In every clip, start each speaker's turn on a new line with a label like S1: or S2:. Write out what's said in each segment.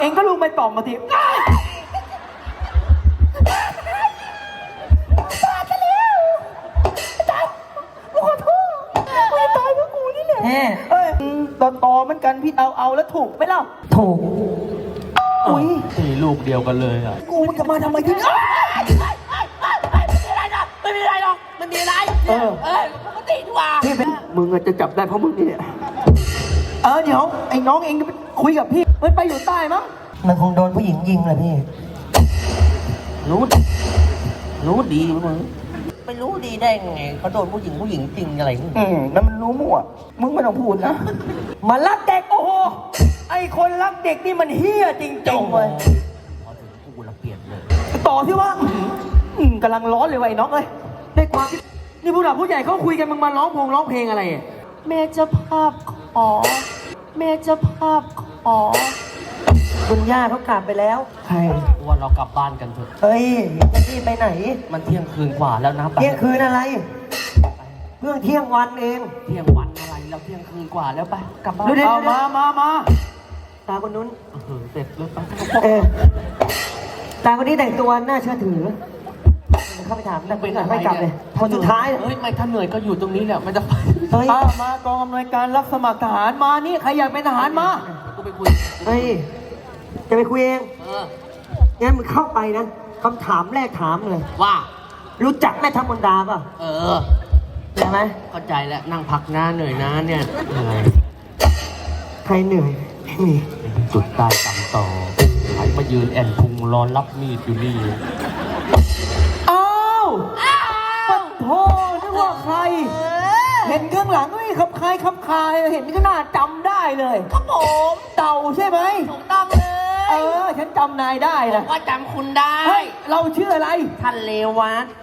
S1: เองก็ลุงไปต่อมมาทีเฮ้ยต่อมันกันพี่เอาแล้วถูกไหมเล่าถูกอุ้ย
S2: ตีลูกเดียวกันเลยอ่ะ
S1: กูมันจะมาทำไมที่นี่
S3: ไม่มีอะไรหรอกมันมีอะไรปกติดีกว่า
S1: พี่เป็นมึงจะจับได้เพราะมึงนี่แหละเดี๋ยวไอ้น้องเองจะไปคุยกับพี่มันไปอยู่ใต้มั้งมันคงโดนผู้หญิงยิงแหละพี่
S3: รู้ดีมึงไม่รู้ดีได้ไงเขาโดนผู้หญิงจริงอะไร
S1: แล้วมันรู้มั่วมึงไม่ต้องพูดนะมันรักเด็กโอ้โหไอ้คนรักเด็กนี่มันเฮี้ยจริงๆเลย
S3: พอถึงกูละเปลี่ยนเลย
S1: ต่อที่ว่ากำลังร้อนเลยไอ้น้องเอ้ยได้ความนี่ผู้หลักผู้ใหญ่เขาคุยกันมึงมาร้องเพลงอะไร
S4: แม่เจ้าภาพขอคุณย่าเขากลับไปแล้ว
S1: ใคร
S3: ว่าเรากลับบ้านกันเถอะ
S1: เฮ้ยจะรีบไปไหน
S3: มันเที่ยงคืนกว่าแล้วนะ
S1: เที่ยงคืนอะไรเพิ่งเที่ยงวันเอง
S3: เที่ยงวันอะไรเราเที่ยงคืนกว่าแล้วไปกลับบ้าน
S1: เอามาตาคนนู้น
S3: เสร็จแล้วไป
S1: ตาคนนี้แต่งตัวน่าเชื่อถือเข้าไปถามแต่ไม่กลับเลยคนสุดท้าย
S3: ไม่ถ้าเหนื่อยก็อยู่ตรงนี้แหละมันจะไป
S1: มากองอำนวยการรับสมัครทหารมานี่ใครอยากเป็นทหารมา
S3: กูไปคุย
S1: จะไปคุยเองงั้นมึงเข้าไปนะคำถามแรกถามเลย
S3: ว่า
S1: รู้จักแม่ทัพมนดาป่ะใช่ไหม
S3: เข้าใจแล้วนั่งพักหน้าเหนื่อยนะเนี่ย
S1: ใครเหนื่อยไม่มี
S3: จุดตายต่ำต่อใครมายืนแอนพุงรอรับมีดอยู่นี่
S1: ปัดโธ่นึกว่าใครเห็นข้างหลังไม่ขับคายเห็นก็น่าจำได้เลย
S3: ครับผม
S1: เต่าใช่ไหม
S3: ถูกต้องเลย
S1: ฉันจำนายได้นะ
S3: ว่าจำคุณได้
S1: เราชื่ออะไร
S3: ท่านเลวัต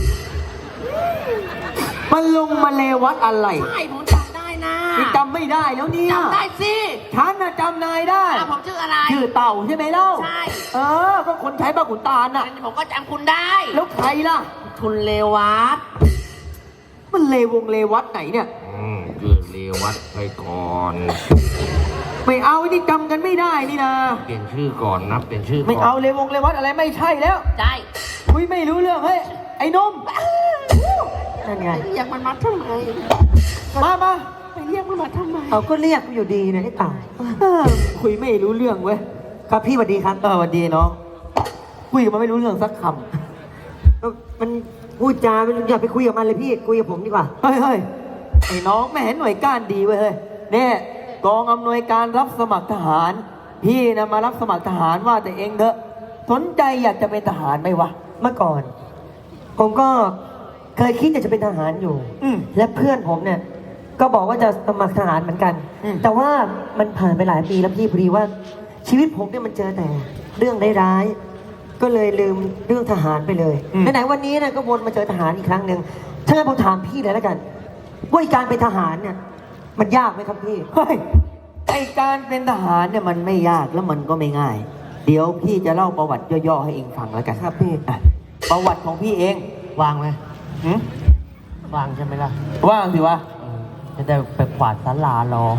S1: มันลงมาเลวัตอะไร
S3: ใช่ผมจำได้นะ
S1: จำไม่ได้แล้วเนี่ย
S3: จำได้สิ
S1: ฉันน่ะจำนายได้
S3: ผมชื่ออะไร
S1: ชื่อเต่าใช่ไหมเล่า
S3: ใช่
S1: ก็คนใช้บ้าขุนตาลน่ะ
S3: ผมก็จำคุณได้
S1: แล้วใครล่ะ
S3: คุณเลวัต
S1: มันเลวัตไหนเนี่ย
S3: ชื่อเลวัตไปก่อน
S1: ไม่เอานี่จำกันไม่ได้นี่นะ
S3: เปลี่ยนชื่อก่อนนะเปลี่ยนชื่อ
S1: ไม่เอาเลวัตอะไรไม่ใช่แล้ว
S3: ใช่
S1: คุยไม่รู้เรื่องเฮ้ยไอ้นมนั่นไง
S3: เรียกมันมาทำไม
S1: มา
S3: ไปเรียกมันมาทำไม
S1: ก็เรียกอยู่ดีนะไอ้ต่างคุยไม่รู้เรื่องเว้ยครับพี่สวัสดีครับสวัสดีน้องคุยกับมันไม่รู้เรื่องสักคำมันพูดจาอย่าไปคุยกับมันเลยพี่คุยกับผมดีกว่าเฮ้ยไอ้น้องไม่เห็นหน่วยก้านดีเว้ยเฮ้ยเนี่ยกองอำนวยการรับสมัครทหารพี่นะมารับสมัครทหารว่าแต่เองเถอะสนใจอยากจะเป็นทหารไหมวะเมื่อก่อนผมก็เคยคิดอยากจะเป็นทหารอยู่และเพื่อนผมเนี่ยก็บอกว่าจะสมัครทหารเหมือนกันแต่ว่ามันผ่านไปหลายปีแล้วพี่พอดีว่าชีวิตผมเนี่ยมันเจอแต่เรื่องร้ายๆก็เลยลืมเรื่องทหารไปเลยไหนๆวันนี้นะก็วนมาเจอทหารอีกครั้งหนึ่งถ้างั้นผมถามพี่เลยแล้วกันว่าการเป็นทหารเนี่ยมันยากไหมครับพี่ไอการเป็นทหารเนี่ยมันไม่ยากแล้วมันก็ไม่ง่ายเดี๋ยวพี่จะเล่าประวัติย่อๆให้เองฟังแล้วกันครับพี่ประวัติของพี่เอง
S3: วางไหมวางใช่ไหมล่ะ
S1: ว่างสิวะ
S3: จะได้ไปขวาดศาลารอ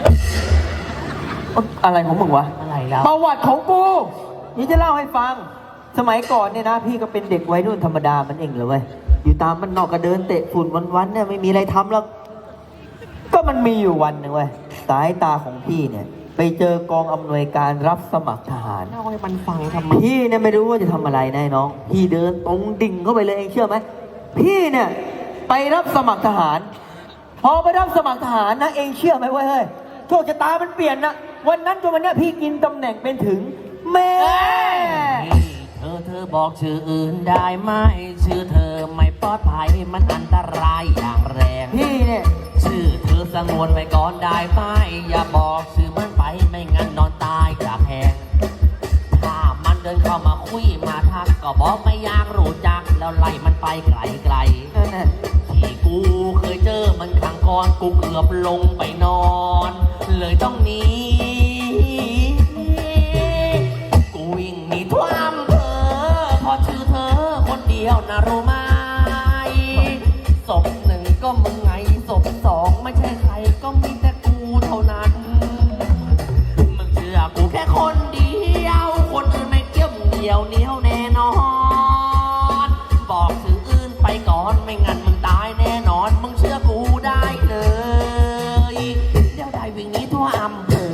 S1: อะไรของมึงวะ
S3: อะไรแล้ว
S1: ประวัติของกูนี่จะเล่าให้ฟังสมัยก่อนเนี่ยนะพี่ก็เป็นเด็กวัยรุ่นธรรมดามันเองเลยเว้ยอยู่ตามมันนอกก็เดินเตะฝุ่นวันๆเนี่ยไม่มีอะไรทำแล้วก็มันมีอยู่วันหนึ่งเว้ยสายตาของพี่เนี่ยไปเจอกองอำนวยการรับสมัครทหาร
S3: เล่าให้มันฟังทำไม
S1: พี่เนี่ยไม่รู้ว่าจะทำอะไรนะน้องพี่เดินตรงดิ่งเข้าไปเลยเองเชื่อไหมพี่เนี่ยไปรับสมัครทหารพอไปรับสมัครทหารนะเองเชื่อไหมว่าเฮ้ยโชคชะตามันเปลี่ยนนะวันนั้นจนวันนี้พี่กินตำแหน่งเป็นถึงแม่
S3: เธอบอกชื่ออื่นได้ไหมชื่อเธอไม่ปลอดภัยมันอันตรายอย่างแรง
S1: พี่เนี่ย
S3: ชื่อเธอสงวนไว้ก่อนได้ไหมอย่าบอกชื่อมันไปไม่งั้นนอนตายจากแหงถ้ามันเดินเข้ามาคุยมาทักก็บอกไม่อยากรู้จักแล้วไล่มันไปไกลที่กูเคยเจอมันครั้งก่อนกูเกือบลงไปนอนเลยต้องหนีกูวิ่งหนีท่วมพอชื่อเธอคนเดียวนะรู้ไหมศพหนึ่งก็มึงไงศพสองไม่ใช่ใครก็มีแต่กูเท่านั้นมึงเชื่อกูแค่คนเดีเดียวเหนียวแน่นอน บอกสื่ออื่นไปก่อนไม่งั้นมึงตายแน่นอน มึงเชื่อกูได้เลย เดี๋ยวได้วิ่งหนี้ทั่วอำเภอ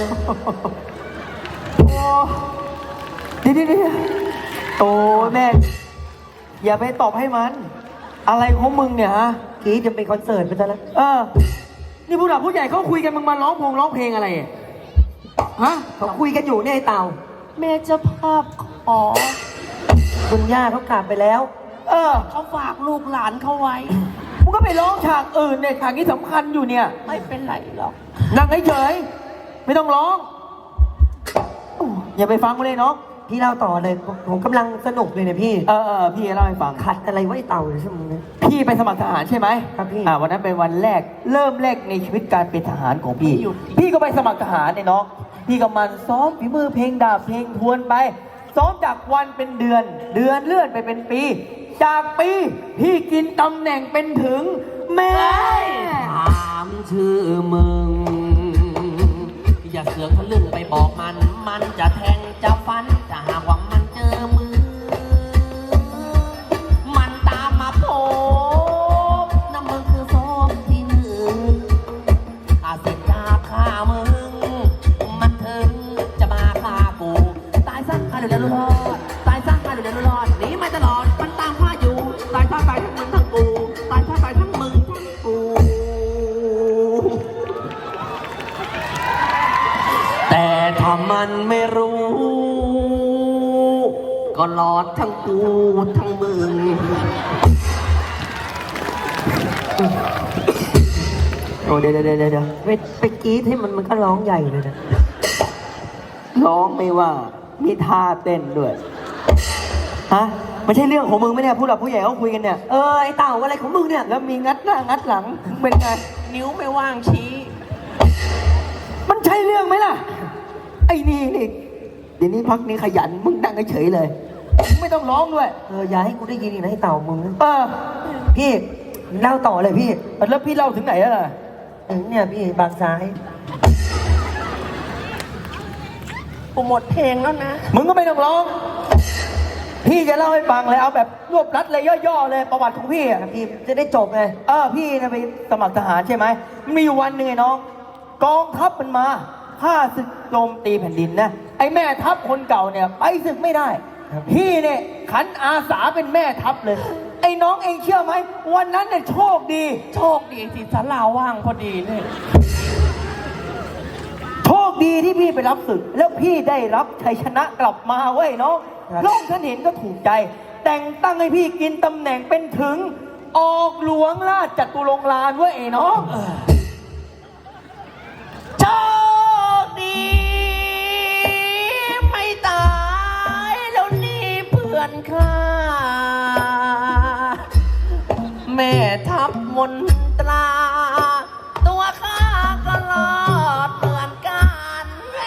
S1: เดี๋ยวโอ้แม่อย่าไปตอบให้มัน อะไรของมึงเนี่ยฮะกี้จะเป็นคอนเสิร์ตไปซะแล้วนี่ผู้หลักผู้ใหญ่เขาคุยกันมึงมาร้องเพลงอะไรอ่ะฮะเขาคุยกันอยู่เนี่ยไอ้เต่า
S4: แม่เจะภาพขอ
S1: คุณย่าเขากลับไปแล้ว
S4: เขาฝากลูกหลานเขาไว้
S1: มึงก็ไปร้องฉากอื่นเนี่ยฉากนี้สำคัญอยู่เนี่ย
S4: ไม่เป็นไรหรอก
S1: นั่งเฉยๆไม่ต้องร้องอย่าไปฟังกูเลยเนาะพี่เล่าต่อเลยผมกำลังสนุกเลยเนี่ยพี่พี่เล่าให้ฟังขัดอะไรไว้เต่าเลยใช่ไหมพี่ไปสมัครทหารใช่ไหมครับพี่วันนั้นเป็นวันแรกเริ่มแรกในชีวิตการเป็นทหารของพี่พี่ก็ไปสมัครทหารเนี่ยเนาะพี่ก็มันซ้อมฝีมือเพลงดาบเพลงทวนไปซ้อมจากวันเป็นเดือนเลื่อนไปเป็นปี จากปีพี่กินตำแหน่งเป็นถึงแม่
S3: ถามชื่อมึง อย่าเสือกทะลึ่งไปบอกมัน มันจะแทงจะฟันจะหากว่ามันเจอมือ มันตามมาโผล่น้ำมึงคือโซมที่หนึ่งอาเสร็จจากฆ่ามึง มันถึงจะมาฆ่ากู ตายซะฆ่าเดี๋ยวรอดตายซะฆ่าเดี๋ยวรอดหนีไม่ตลอดมันตามฆ่าอยู่ตายซะตายทั้งมึงทั้งกูตายซะตายทั้งมึงทั้งกู แต่ถ้ามันไม่รู้ ก็รอดทั้งกูทั้งมึง
S1: โอ้เดี๋ยวไปกรี๊ดให้มันก็ร้องใหญ่เลยนะร้องไม่ว่ามีท่าเต้นด้วยฮะไม่ใช่เรื่องของมึงไหมเนี่ยผู้หลักผู้ใหญ่เขาคุยกันเนี่ยไอ้เต่าอะไรของมึงเนี่ยแล้วมีงัดหน้างัดหลังเป็นไง
S4: นิ้วไม่ว่างชี้
S1: มันใช่เรื่องไหมล่ะไอ้นี่เดี๋ยวนี้พักนี้ขยันมึงนั่งเฉยเลยไม่ต้องร้องด้วยอย่าให้กูได้ยินอีกนะไอ้เต่ามึงพี่เล่าต่อเลยพี่แล้วพี่เล่าถึงไหนแล้วล่ะถึงเนี่ยพี่บางซ้าย
S4: กูหมดเพลงแล้วนะ
S1: มึงก็ไม่ต้องร้องพี่จะเล่าให้ฟังเลยเอาแบบรวบรัดเลยย่อๆเลยประวัติของพี่อ่ะพี่จะได้จบไงพี่นะไปสมัครทหารใช่ไหมมีอยู่วันหนึ่งไอ้น้องกองทัพมันมาฆ่าศึกโจมตีแผ่นดินนะไอ้แม่ทัพคนเก่าเนี่ยไปศึกไม่ได้พี่เนี่ยขันอาสาเป็นแม่ทัพเลยไอ้น้องเองเชื่อไหมวันนั้นเนี่ยโชคดี
S4: ที่ศาลาว่างพอดีเนี่ย
S1: โชคดีที่พี่ไปรับศึกแล้วพี่ได้รับชัยชนะกลับมาเว้ยน้องโลกท่านเห็นก็ถูกใจแต่งตั้งให้พี่กินตำแหน่งเป็นถึงออกหลวงราชจตุรงค์ลานเว้ยไอ้น้อง
S3: โชคดีไม่ตายแล้วนี่เพื่อนข้าแม่ทัพมนตราตัวข้าก็รอดเหมือนกัน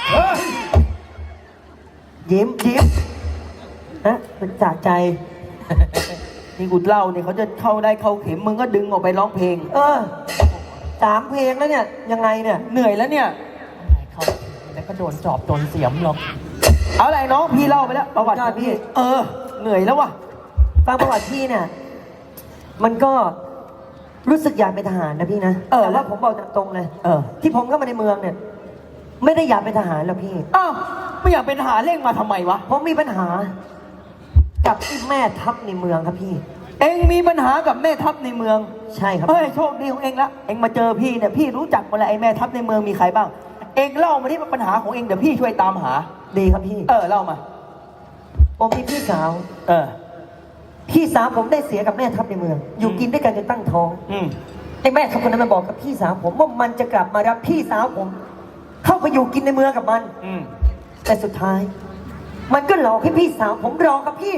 S1: ยิ้มนะมันจากใจนี่กูเล่าเนี่ยเขาจะเข้าได้เข้าเข็มมึงก็ดึงออกไปร้องเพลง3 เพลงแล้วเนี่ยยังไงเนี่ยเหนื่อยแล้วเนี่ย
S4: เขาแล้วก็โดนจอบโดนเสียมหรอก
S1: เอาอะไรน้องพี่เล่าไปแล้วประวัติพี่เหนื่อยแล้ววะฟังประวัติพี่เนี่ยมันก็รู้สึกอยากเป็นทหารนะพี่นะแต่ว่าผมบอกตรงเลยที่ผมเข้ามาในเมืองเนี่ยไม่ได้อยากเป็นทหารแล้วพี่ไม่อยากเป็นทหารเร่งมาทำไมวะผมมีปัญหากับที่แม่ทัพในเมืองครับพี่เอ็งมีปัญหากับแม่ทัพในเมืองใช่ครับโชคดีของเอ็งละเอ็งมาเจอพี่เนี่ยพี่รู้จักหมดแล้วไอ้แม่ทัพในเมืองมีใครบ้างเอ็งเล่ามาที่ปัญหาของเอ็งเดี๋ยวพี่ช่วยตามหาดีครับพี่เล่ามาผมมีพี่สาวพี่สาวผมได้เสียกับแม่ทัพในเมืองอยู่กินด้วยกันจนตั้งท้องไอ้แม่ทัพคนนั้นมันบอกกับพี่สาวผมว่ามันจะกลับมารับพี่สาวผมเข้าไปอยู่กินในเมืองกับมันแต่สุดท้ายมันก็หลอกให้พี่สาวผมรอกับพี่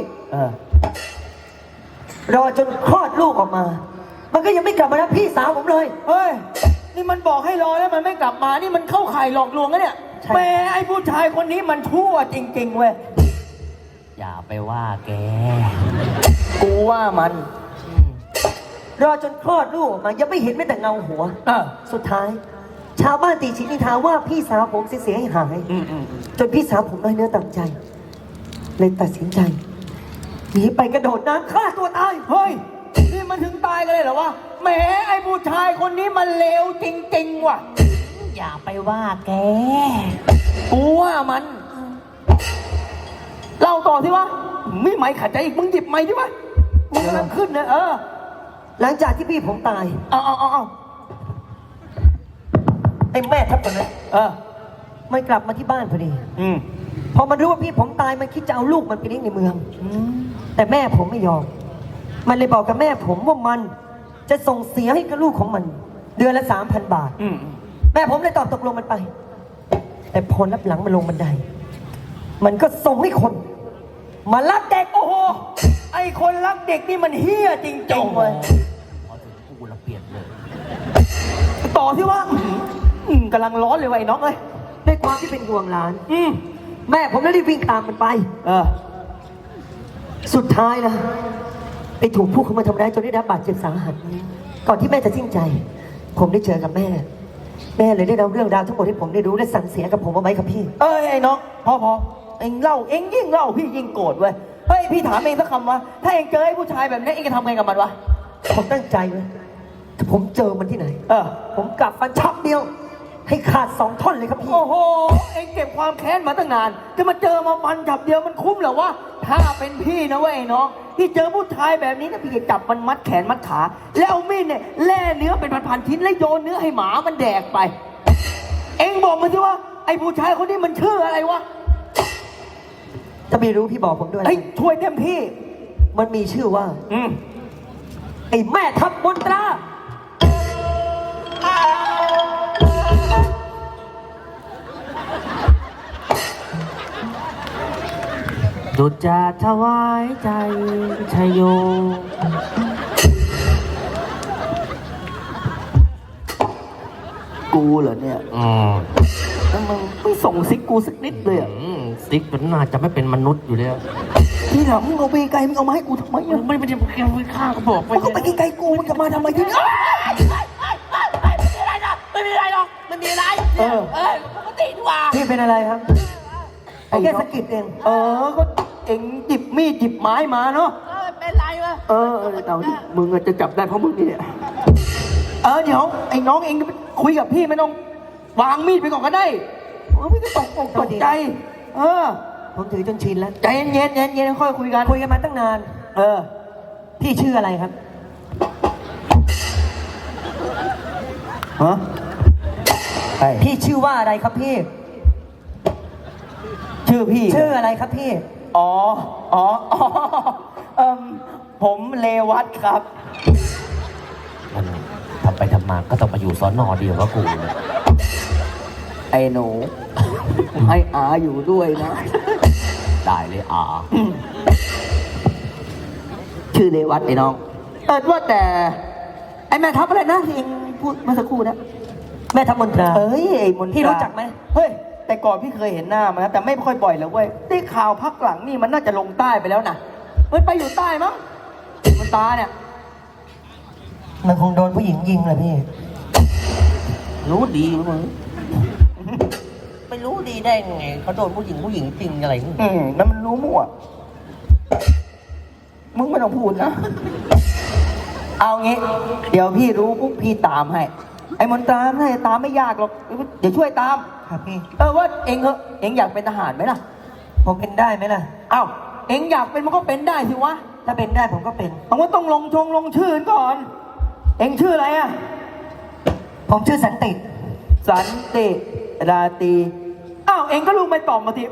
S1: รอจนคลอดลูกออกมามันก็ยังไม่กลับมารับพี่สาวผมเลยเฮ้ยนี่มันบอกให้รอแล้วมันไม่กลับมานี่มันเข้าข่ายหลอกลวงนะเนี่ยแม่ไอ้ผู้ชายคนนี้มันชั่วจริงๆเว้ย
S3: อย่าไปว่าแก
S1: กูว่ามันรอจนคลอดลูกออกมายังไม่เห็นแม้แต่เงาหัวสุดท้ายชาวบ้านตีชินิทาว่าพี่สาวผมเสียหายจนพี่สาวผมน้อยเนื้อต่ำใจเลยตัดสินใจหนีไปกระโดดน้ำฆ่าตัวตาย
S2: เฮ้ย นี่มันถึงตายกันเลยเหรอวะ แหมไอ้ผู้ชายคนนี้มันเลวจริงๆว่ะ
S4: อย่าไปว่าแก
S2: กูว่ามัน เล่าต่อสิวะไม่ไหมขัดใจอีก มึงหยิบไม้ดิวะมึงกำลังขึ้นนะ
S1: หลังจากที่พี่ผมตาย
S2: เอา
S1: ไอ้แม่ทัพคนนั้นมันกลับมาที่บ้านพอดี พอมันรู้ว่าพี่ผมตายมันคิดจะเอาลูกมันไปเลี้ยงในเมือง แต่แม่ผมไม่ยอม มันเลยบอกกับแม่ผมว่ามันจะส่งเสียให้กับลูกของมัน เดือนละ 3,000 บาท แม่ผมเลยตอบตกลงมันไป แต่พอรับหลังมันลงบันได มันก็ส่งให้คน มาลักเด็ก
S2: โอ้โห ไอ้คนรักเด็กนี่มันเฮี้ยจริงๆเว้ย
S3: พอถึงกูละเปลี่ยนเลย
S2: ต่อที่ว่ากำลังร้อนเลยว่ะไอ้น้องเอ้ย
S1: ด้วยความที่เป็นห่วงหลาน แม่ผมเลยรีบวิ่งตามมันไป สุดท้ายนะไปถูกผู้เข้ามาทำร้ายจนได้รับบาดเจ็บสาหัส ก่อนที่แม่จะสิ้นใจ ผมได้เจอกับแม่ แม่เลยได้เล่าเรื่องราวทั้งหมดให้ผมได้รู้และสั่งเสียกับผมเอาไว้ครับพี่
S2: ไอ้น้องพอเอ็งเล่าเอ็งยิ่งเล่าพี่ยิ่งโกรธเว้ย เฮ้ยพี่ถามเองสักคำวะถ้าเอ็งเจอไอ้ผู้ชายแบบนี้เอ็งจะทำไงกับมันวะ
S1: ผมตั้งใจไว้ถ้าผมเจอมันที่ไหน ผมกลับฟันชับเดียว ให้ขาด2 ท่อนเลยครับพี่
S2: โอ้โห เอ็งเก็บความแค้นมาตั้งนาน จะมาเจอมาฟันจับเดียวมันคุ้มเหรอวะ ถ้าเป็นพี่นะเว้ยไอ้น้องพี่เจอผู้ชายแบบนี้นะพี่จะจับมันมัดแขนมัดขา แล้วเอามีดเนี่ยแล่เนื้อเป็นพันๆชิ้นแล้วโยนเนื้อให้หมามันแดกไป เอ็งบอกมันสิว่าไอ้ผู้ชายคนนี้มันชื่ออะไรวะ
S1: ถ้าไม่รู้พี่บอกผมด้วย
S2: เฮ้ยช่วยเต็มที่
S1: มันมีชื่อว่า ไอ้แม่ทัพมนตรา
S3: ดุจจะถวายใจชัยโย
S2: กูเหรอเนี่ยแล้วมึงไม่ส่งซิกกูสักนิดเลยอ่ะ
S3: ซิกมันน่าจะไม่เป็นมนุษย์อยู่แล้ว
S2: ที่หลังมึงเอาไปไกลมึงเอามาให้กูทำไม
S3: มึ
S2: อ่ะ
S3: งไม่ได้ไปฆ่าก็บอกไป
S2: มึงก็ไปไกลๆกูมึงจะมาทำไมที่นี่
S3: ไม่มีอะไรหรอกไม่มีอะไรปกติดีกว่า
S1: พี่เป็นอะไรครับแค่สะกิดเอง
S2: ก็เอ็งหยิบมีดหยิบไม้มาเนาะ
S3: เป็นไรวะ
S2: เอาดิมึงจะจับได้เพราะมึงนี่เนี่ยเดี๋ยวไอ้น้องเองคุยกับพี่ไม่ต้องวางมีดไปก่อนก็ได้พี่ก็ตกใจ
S1: ผมถือจนชินแล้ว
S2: ใจเย็นค่อยคุยกัน
S1: คุยกันมาตั้งนาน พี่ชื่ออะไรครับ
S2: ฮะ
S1: พี่ชื่อว่าอะไรครับพี่
S2: ชื่อพี่
S1: ชื่ออะไรครับพี่
S2: ผมเลวัตครับ
S3: ทำไปทำมาก็ต้องมาอยู่สอนอเดียวกับกูเลย
S2: ไอ้หนู ให้อาอยู่ด้วยนะ
S3: ได้เลยอา
S2: ชื่อเลวัตไอ้น้องว่าแต่ไอ้แม่ทัพอะไรนะที่เองพูดเมื่อสักครู่นะ
S1: แม่ทัพมนตรา
S2: ไอ้มนตรา
S1: พี่รู้จักไหม
S2: เฮ้ยแต่ก่อนพี่เคยเห็นหน้ามันนะแต่ไม่ค่อยบ่อยแล้วเว้ยได้ข่าวพักหลังนี่มันน่าจะลงใต้ไปแล้วนะมันไปอยู่ใต้มั้งมันตาเนี่ย
S1: มันคงโดนผู้หญิงยิงแหละพี่
S3: รู้ดีมึงไม่รู้ดีได้ไงเขาโดนผู้หญิงจริงอะไรนี่
S2: นั่นมันรู้มั่วมึงไม่ต้องพูดนะ เอางี้ เดี๋ยวพี่รู้ปุ๊บพี่ตามให้ ไอ้มนตราไม่ตามไม่ยากหรอกเดี๋ยวช่วยตาม
S1: ครับพี่
S2: ว่าเองเองอยากเป็นทหารไหมล่ะ
S1: ผมเป็นได้ไหมล่ะ
S2: เองอยากเป็นมันก็เป็นได้สิวะ
S1: ถ้าเป็นได้ผมก็เป็น
S2: ต้องลงชื่อก่อน เองชื่ออะไรอ่ะ
S1: ผมชื่อสันติ
S2: สันติราตรีเองก็ลูกไปตอบมาที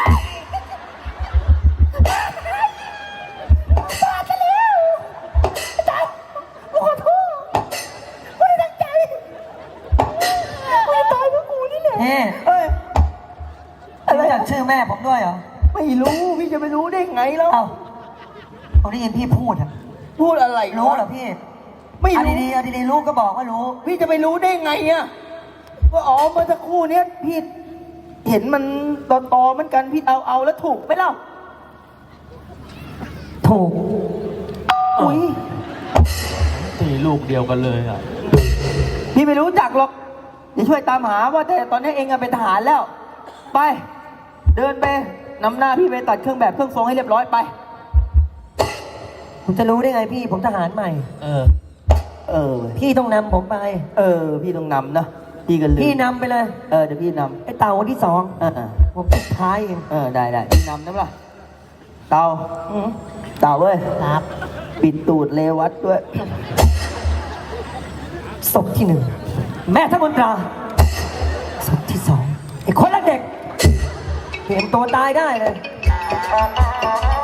S1: รู้จักชื่อแม่ผมด้วยเหรอ
S2: ไม่รู้พี่จะไปรู้ได้ไงแล้ว
S1: ผมได้ยินพี่พูดอะ
S2: พูดอะไร
S1: รู้เหรอพี่
S2: ไม่รู้
S1: เอาดีๆรู้ก็บอกว่ารู้
S2: พี่จะไปรู้ได้ไงอ่ะว่าเมื่อสักครู่เนี้ยพี่เห็นมันตอเหมือนกันพี่เอาแล้วถูกไหมเล่า
S1: ถูก
S2: อุ้ยตีลูกเดียวกันเลยอ่ะพี่ไม่รู้จักหรอกเดี๋ยวช่วยตามหาว่าแต่ตอนนี้เองเป็นทหารแล้ว ไป เดินไปนำหน้าพี่ไปตัดเครื่องแบบเครื่องทรงให้เรียบร้อยไป
S1: ผมจะรู้ได้ไงพี่ ผมทหารใหม่
S3: เออ
S2: เออ
S1: พี่ต้องนำผมไป
S2: พี่ต้องนำนะพี่กันลืม
S1: พี่นำไปเลย
S2: เดี๋ยวพี่น
S1: ไอ้เต่าคนที่สอง
S2: ำ
S1: ผมสุดท้ายเอง
S2: ได้พี่นำนะล่ะเต่าเต่าเว้ย
S4: ครับ
S2: ปิดตูดเลวัดด้วย
S1: ศพที่หนึ่งแม่ทัพมนตราศพที่สองไอ้คนละเด็กเห็นตัวตายได้เลย